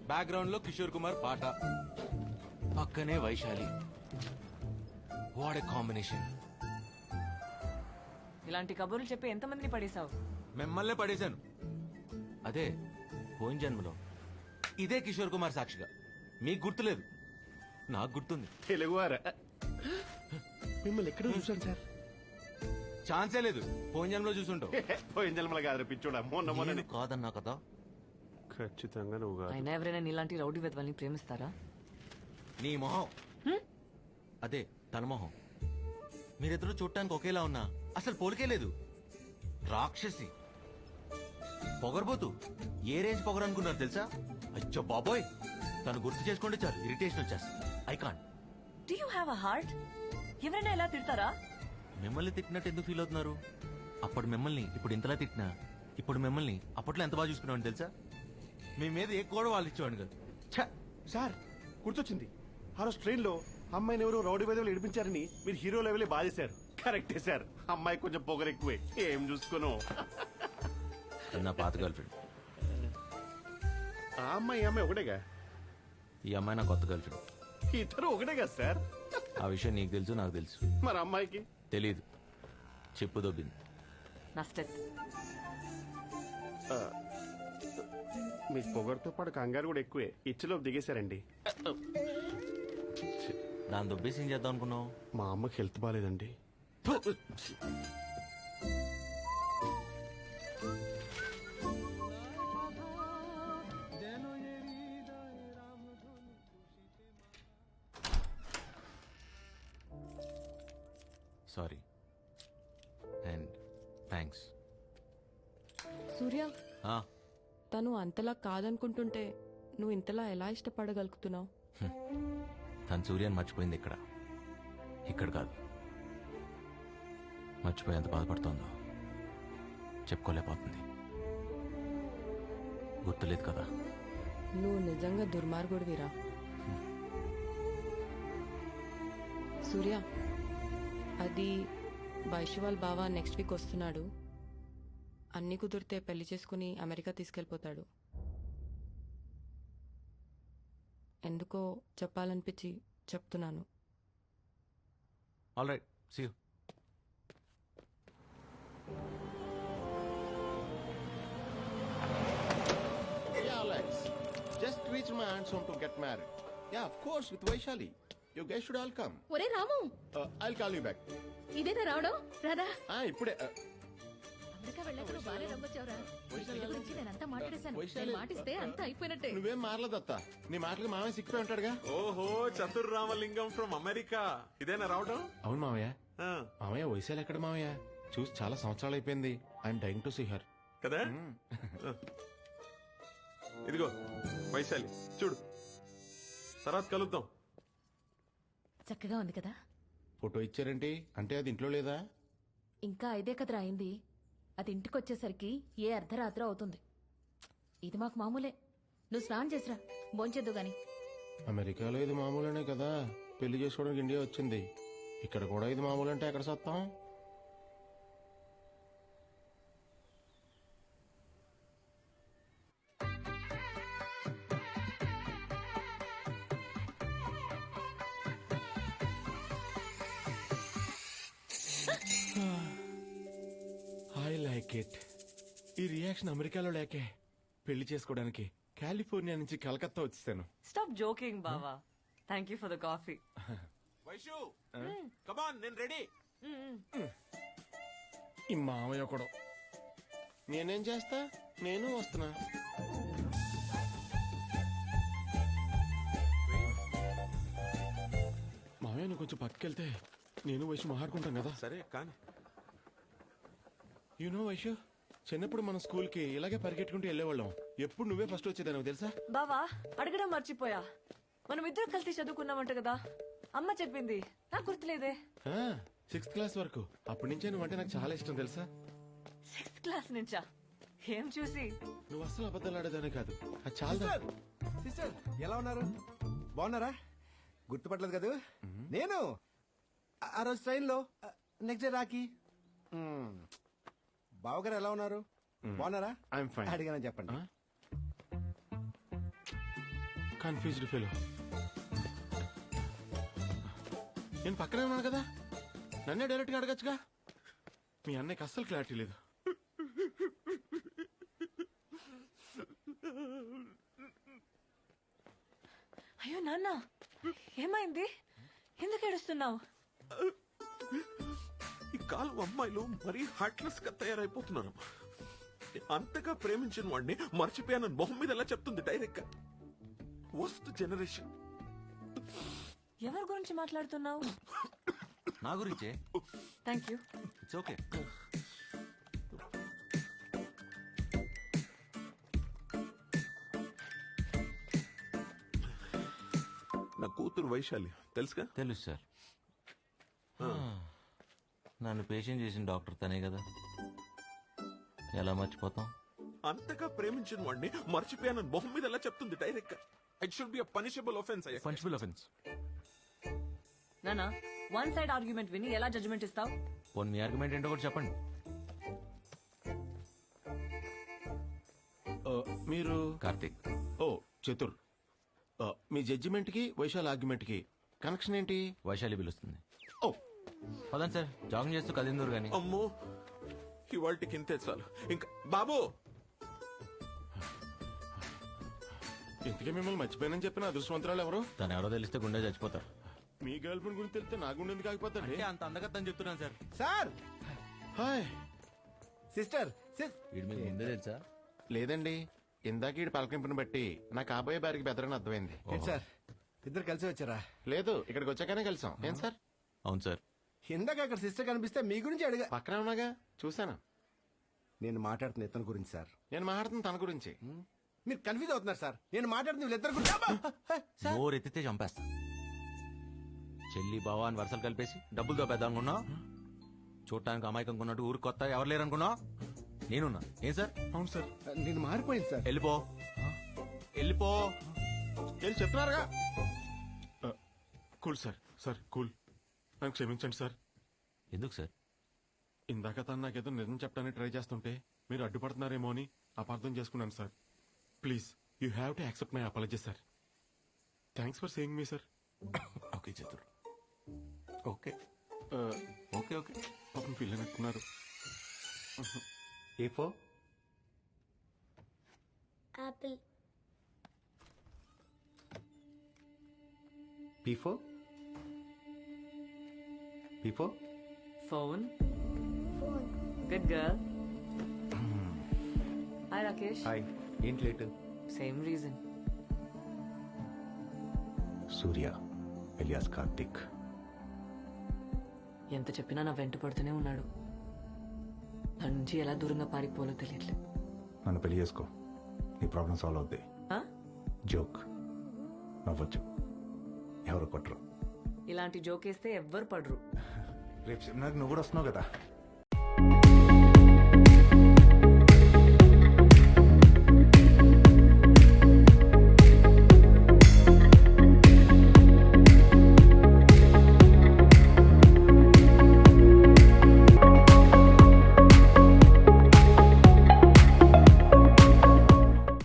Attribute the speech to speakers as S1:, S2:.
S1: Background లో కిషోర్ కుమార్ పాట, పక్కనే వైశాలి. What a combination.
S2: ఇలాంటి కబుర్లు చెప్పి ఎంతమందిని పడేశావు?
S1: మిమ్మల్నే పడేశాను. అదే పోయిన జన్మలో ఇదే కిషోర్ కుమార్ సాక్షిగా. మీకు గుర్తులేదు, నాకు గుర్తుంది.
S3: తెలుగువారా? మిమ్మల్ని ఎక్కడ చూసాను సార్?
S1: ఛాన్సే లేదు. పోయిన జన్మలో చూసుంటావు.
S3: పోయిన జన్మల కాదు పిచ్చోడా, మొన్న మొన్న
S1: నేను కాదన్నా కదా.
S3: ఖచ్చితంగా నువ్వు కాదు.
S2: అయినా ఎవరైనా నీలాంటి రౌడీ వెధవల్ని ప్రేమిస్తారా?
S1: నీ మొహం అదే తన మొహం. మీరిద్దరూ చూడటానికి ఒకేలా ఉన్నా అసలు పోలికే లేదు. రాక్షసి, పొగరబోతు. ఏ రేంజ్ పొగరు అనుకున్నారు తెలుసా? అచ్చో బాబోయ్, తను గుర్తు చేసుకుంటే చాలు ఇరిటేషన్ వచ్చేస్తుంది. I can't.
S2: Do you have a heart? ఎవరైనా ఇలా తిడతారా?
S1: మిమ్మల్ని తిట్టినట్టు ఎందుకు ఫీల్ అవుతున్నారు? అప్పుడు మిమ్మల్ని ఇప్పుడు ఇంతలా తిట్టినా, ఇప్పుడు మిమ్మల్ని అప్పట్లో ఎంత బాగా చూసుకున్నామని తెలుసా? మీ మీద ఏ కూడా వాళ్ళు ఇచ్చేవాడిని కదా.
S3: సార్ గుర్తొచ్చింది, ఆ రోజు ట్రైన్ లో అమ్మాయిని ఎవరు రౌడీ వేదవులు ఏడిపించారని మీరు హీరో లెవెలే బాధేశారు. కరెక్టే సార్, అమ్మాయి కొంచెం పొగరు ఎక్కువే. ఏం చూసుకోను.
S1: నా పాత గర్ల్ ఫ్రెండ్.
S3: ఆ అమ్మాయి ఈ అమ్మాయి ఒకటేగా?
S1: ఈ అమ్మాయి నా కొత్త గర్ల్ ఫ్రెండ్.
S3: ఇద్దరు ఒకటే కదా సార్?
S1: ఆ విషయం నీకు తెలుసు, నాకు తెలుసు.
S3: మరి అమ్మాయికి
S1: తెలీదు. చెప్పు దొబ్బింది.
S2: నష్టం.
S3: మీ పొగరుతో పాటు కంగారు కూడా ఎక్కువే. ఇచ్చలో దిగేశారండి.
S1: దాని దొబ్బేసి ఏం చేద్దాం అనుకున్నావు?
S3: మా అమ్మకి హెల్త్ బాగాలేదండి.
S1: Sorry and thanks.
S4: సూర్య, తను అంతలా కాదనుకుంటుంటే నువ్వు ఇంతలా ఎలా ఇష్టపడగలుగుతున్నావు?
S1: తను సూర్యాన్ని మర్చిపోయింది ఇక్కడ, ఇక్కడ కాదు. మర్చిపోయి ఎంత బాధపడుతోందో చెప్పుకోలేకపోతుంది. గుర్తులేదు కదా.
S4: నువ్వు నిజంగా దుర్మార్గుడివిరా. సూర్య, అది వైశ్వాల్ బావ నెక్స్ట్ వీక్ వస్తున్నాడు. అన్ని కుదిరితే పెళ్లి చేసుకుని అమెరికా తీసుకెళ్లిపోతాడు. ఎందుకో చెప్పాలనిపించి చెప్తున్నాను.
S1: All right, see you.
S5: Yeah, Alex. Just reached my aunt's home to get married. Yeah, of course, with Vaishali. You guys should all come.
S6: ఒరే రాము,
S5: I'll call you back.
S6: ఇదేనా రావడం? రాదా?
S5: ఇప్పుడే.
S6: అమెరికా వెళ్ళాక నువ్వు బాగానే నమ్మొచ్చావురా. ఈ పెళ్లి గురించి నేనంతా మాట్లాడేశాను.
S5: వైశాలి.
S6: నేను మాటిస్తే అంతా అయిపోయినట్టే.
S5: నువ్వేం మారలేదత్త. నీ మాటలకు మామయ్య సిక్కిపోయి ఉంటాడుగా.
S7: ఓహో, చతుర్ రామలింగం ఫ్రమ్ అమెరికా. ఇదేనా రావడం?
S5: అవును మామయ్య.
S7: ఆ,
S5: మామయ్య వైశాలి ఎక్కడ మామయ్య? చూసి చాలా సంవత్సరాలు అయిపోయింది. I'm dying to see her.
S7: కదా. ఇదిగో వైశాలి, చూడు. తర్వాత కలుద్దాం.
S6: చక్కగా ఉంది కదా?
S5: ఫోటో ఇచ్చారేంటి? అంటే అది ఇంట్లో లేదా?
S6: ఇంకా ఐదే కదరా అయింది. అది ఇంటికొచ్చేసరికి ఏ అర్ధరాత్రి అవుతుంది. ఇది మాకు మామూలే. నువ్వు స్నానం చేసిరా, భోంచేద్దు గాని.
S5: అమెరికాలో ఇది మామూలేనే కదా. పెళ్లి చేసుకోవడానికి ఇండియా వచ్చింది. ఇక్కడ కూడా ఇది మామూలు అంటే ఎక్కడ సత్తాం? I like it. ఈ రియాక్షన్ అమెరికాలో లేకే పెళ్లి చేసుకోవడానికి కాలిఫోర్నియా నుంచి కలకత్తా వచ్చేసాను.
S2: స్టాప్ జోకింగ్ బావా. Thank you for the coffee.
S7: Vaishu, come on, నేను రెడీ.
S5: ఈ మామయ్య కూడా. నేనేం చేస్తా, నేను వస్తున్నా. మామయ్య నువ్వు కొంచెం పక్కకెళ్తే నేను వైషు మాట్లాడుకుంటాం కదా.
S7: సరే కానీ.
S5: యూనో వైషు, చిన్నప్పుడు మన స్కూల్ కి ఇలాగే పరిగెట్టుకుంటూ వెళ్ళేవాళ్ళం. ఎప్పుడు నువ్వే ఫస్ట్ వచ్చేదాన్ని తెలుసా?
S2: బావా, అడగడం మర్చిపోయా. మనం ఇద్దరు కలిసి చదువుకున్నామంట కదా. అమ్మ చెప్పింది, నాకు గుర్తులేదే.
S5: 6th క్లాస్ వరకు. అప్పటి నుంచే నువ్వంటే నాకు చాలా ఇష్టం తెలుసా?
S2: 6th క్లాస్ నుంచా? ఏం చూసి?
S5: నువ్వు అస్సలు అబద్ధాలు ఆడేదానే కాదు. అది చాలా.
S8: సిస్టర్ ఎలా ఉన్నారు? బాగున్నారా? గుర్తుపట్టలేదు కదా నేను. ఆ రోజు ట్రైన్ లో నెక్స్ట్ డే రాకి. బావగారు ఎలా ఉన్నారు? బాగున్నారా?
S5: I'm fine.
S8: అడిగానని చెప్పండి.
S5: Confused fellow. నేను పక్కనే ఉన్నాను కదా, నన్నే డైరెక్ట్గా అడగచ్చుగా. మీ అన్నయ్యకి అస్సలు క్లారిటీ లేదు.
S2: అయ్యో నాన్న, ఏమైంది? ఎందుకు ఏడుస్తున్నావు?
S7: ఈ కాలం అమ్మాయిలు మరీ హార్ట్లెస్ గా తయారైపోతున్నారు. అంతగా ప్రేమించిన వాడిని మర్చిపోయానని మొహం మీద ఎలా చెప్తుంది డైరెక్ట్ గా. Worst generation.
S2: ఎవరి గురించి మాట్లాడుతున్నావు?
S1: నా గురించే.
S2: Thank you.
S1: It's okay.
S7: నా కూతురు వైశాలి తెలుసుగా?
S1: తెలుసు సార్. నన్ను పేషెంట్ చేసిన డాక్టర్ తనే కదా, ఎలా మర్చిపోతాం?
S7: అంతగా ప్రేమించిన వాడిని మర్చిపోయానని మొహం మీద ఎలా చెప్తుంది డైరెక్ట్ గా. It should be a punishable offence.
S1: Punishable offence.
S2: నాన్న, వన్ సైడ్ ఆర్గ్యుమెంట్ విని ఎలా జడ్జ్మెంట్ ఇస్తావు?
S1: పోనీ మీ ఆర్గ్యుమెంట్ ఏంటో కూడా చెప్పండి.
S5: మీరు
S1: కార్తీక్.
S5: ఓ చతుర్. మీ జడ్జిమెంట్కి వైశాల్ ఆర్గ్యుమెంట్కి కనెక్షన్ ఏంటి?
S1: వైశాలి పిలుస్తుంది.
S5: ఓ
S1: పదండి సార్, జాగింగ్ చేస్తూ కదిందూరు గాని.
S7: అమ్మో, ఇవాళకి ఇంతే చాలు. ఇంకా బాబు,
S5: ఇంతకీ మిమ్మల్ని మర్చిపోయానని చెప్పిన అదృష్టవంతరాలు ఎవరు?
S1: తను ఎవరో తెలిస్తే గుండె చచ్చిపోతారు.
S5: మీ గర్ల్ ఫ్రెండ్ గురించి తెలిస్తే నా గుండె ఎందుకు ఆగిపోతాడు?
S1: అంత అందగత్తని చెప్తున్నాను సార్.
S8: Sir,
S5: hi.
S8: సిస్టర్,
S1: వీడు మీకు ముందే తెలుసా?
S5: లేదండి, ఇందాక ఈ పలకింపుని బట్టి నా కాబోయే బారికి బెదరని అర్థమైంది.
S8: ఏంటి సార్ ఇద్దరు కలిసి వచ్చారా?
S5: లేదు, ఇక్కడికి వచ్చాకనే కలిసాం. ఏం సార్?
S1: అవును సార్.
S8: ఇందాక అక్కడ సిస్టర్ కనిపిస్తే మీ గురించి అడిగా.
S5: పక్కనే ఉన్నాగా, చూశాను.
S8: నేను మాట్లాడుతున్న ఇతని గురించి సార్.
S5: నేను మాట్లాడుతున్న తన గురించి.
S8: మీరు కన్ఫ్యూజ్ అవుతున్నారు సార్. నేను మాట్లాడుతున్న వీళ్ళిద్దరు గురించి. అబ్బా!
S1: నోరు ఎత్తితే చంపేస్తా. చెల్లి బావా అని వరుసలు కలిపేసి డబ్బులు దోపేద్దాం అనుకున్నావు. చూడటానికి అమాయకంగా ఉన్నట్టు ఊరు కొత్త ఎవరు లేరు అనుకున్నావు. నేనున్నా. ఏం సార్?
S5: అవును సార్.
S8: నేను మారిపోయింది సార్.
S1: వెళ్ళిపో, వెళ్ళిపో.
S5: ఏం చెప్తున్నారుగా? Cool sir. Sir cool. నన్ను క్షమించండి సార్.
S1: ఎందుకు సార్?
S5: ఇందాక తను నాకేదో నిజం చెప్పడానికి ట్రై చేస్తుంటే మీరు అడ్డుపడుతున్నారేమో అని అపార్థం చేసుకున్నాను sir. Please, you have to accept my apology sir. Thanks for saying me sir.
S1: Okay Chatur, okay okay okay.
S5: పాపం ఫీల్ అయినట్టున్నారు.
S3: A for
S9: apple,
S3: P for P for
S2: phone.
S9: phone,
S2: good girl. Hi Rakesh.
S3: Hi. ఏంటి late?
S2: Same reason.
S3: Surya alias Karthik.
S2: ఎంత చెప్పినా నా వెంట పడుతూనే ఉన్నాడు. నా నుంచి ఎలా దూరంగా పారిపోవాలో తెలియట్లేదు.
S10: నన్ను పెళ్లి చేసుకో, నీ ప్రాబ్లం సాల్వ్ అవుద్ది.
S2: ఆ?
S10: జోక్, నవ్వచ్చు, ఎవరు కొట్టరు.
S2: ఇలాంటి జోకేస్తే ఎవ్వరు పడరు.
S10: రేపు సినిమాకి నువ్వు కూడా వస్తున్నావు కదా.